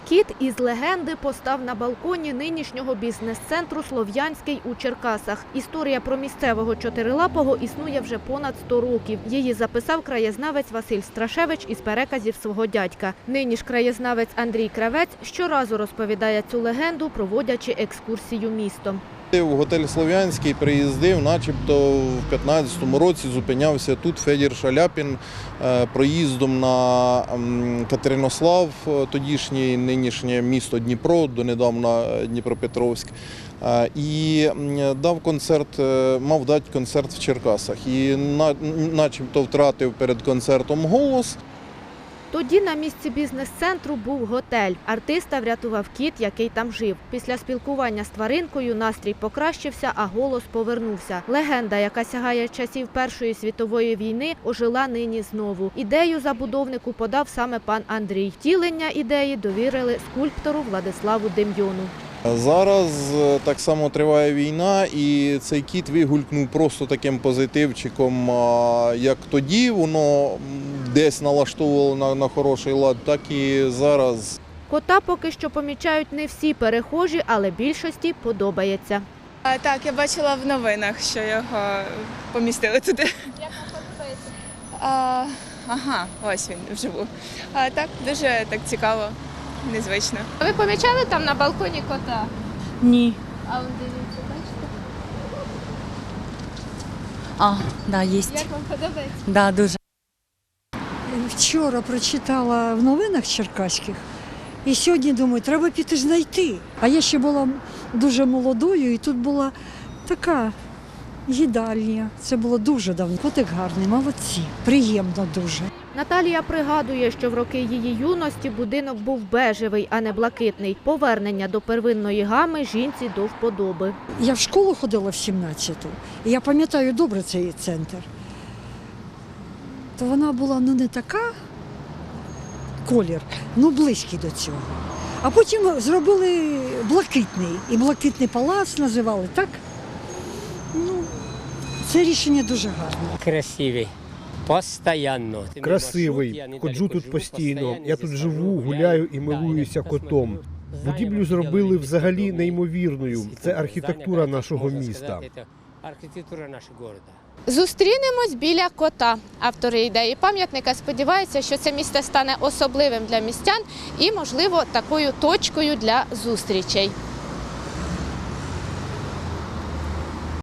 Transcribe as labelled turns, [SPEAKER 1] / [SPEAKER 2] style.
[SPEAKER 1] Кіт із легенди постав на балконі нинішнього бізнес-центру «Слов'янський» у Черкасах. Історія про місцевого чотирилапого існує вже понад 100 років. Її записав краєзнавець Василь Страшевич із переказів свого дядька. Нині ж краєзнавець Андрій Кравець щоразу розповідає цю легенду, проводячи екскурсію містом.
[SPEAKER 2] В готель «Слов'янський» приїздив, начебто в 15-му році зупинявся тут Федір Шаляпін проїздом на Катеринослав, тодішнє нинішнє місто Дніпро, донедавна Дніпропетровськ, і дав концерт, мав дати концерт в Черкасах. І начебто втратив перед концертом голос.
[SPEAKER 1] Тоді на місці бізнес-центру був готель. Артиста врятував кіт, який там жив. Після спілкування з тваринкою настрій покращився, а голос повернувся. Легенда, яка сягає часів Першої світової війни, ожила нині знову. Ідею забудовнику подав саме пан Андрій. Втілення ідеї довірили скульптору Владиславу Дем'йону.
[SPEAKER 2] Зараз так само триває війна, і цей кіт вигулькнув просто таким позитивчиком, як тоді воно десь налаштовувало на хороший лад, так і зараз.
[SPEAKER 1] Кота поки що помічають не всі перехожі, але більшості подобається.
[SPEAKER 3] Так, я бачила в новинах, що його помістили туди.
[SPEAKER 1] Як вам подобається?
[SPEAKER 3] Ага, ось він вживу. Так, дуже так цікаво, незвично.
[SPEAKER 1] Ви помічали там на балконі кота?
[SPEAKER 4] Ні.
[SPEAKER 1] А он дивіться, бачите?
[SPEAKER 4] Да, є.
[SPEAKER 1] Як вам подобається?
[SPEAKER 4] Да, дуже.
[SPEAKER 5] Вчора прочитала в новинах черкаських і сьогодні думаю, треба піти ж знайти. А я ще була дуже молодою і тут була така їдальня. Це було дуже давно. Котик гарний, молодці, приємно дуже.
[SPEAKER 1] Наталія пригадує, що в роки її юності будинок був бежевий, а не блакитний. Повернення до первинної гами жінці до вподоби.
[SPEAKER 5] Я в школу ходила в 17-ту, і я пам'ятаю добре цей центр. То вона була не така, колір, близький до цього. А потім зробили блакитний, і блакитний палац називали, так? Це рішення дуже гарне.
[SPEAKER 6] Красивий. Постоянно.
[SPEAKER 7] Красивий, ходжу тут постійно. Я тут живу, гуляю і милуюся котом. Будівлю зробили взагалі неймовірною. Це архітектура нашого міста.
[SPEAKER 6] Архітектура нашого міста.
[SPEAKER 1] Зустрінемось біля кота. Автори ідеї пам'ятника сподіваються, що це місце стане особливим для містян і, можливо, такою точкою для зустрічей.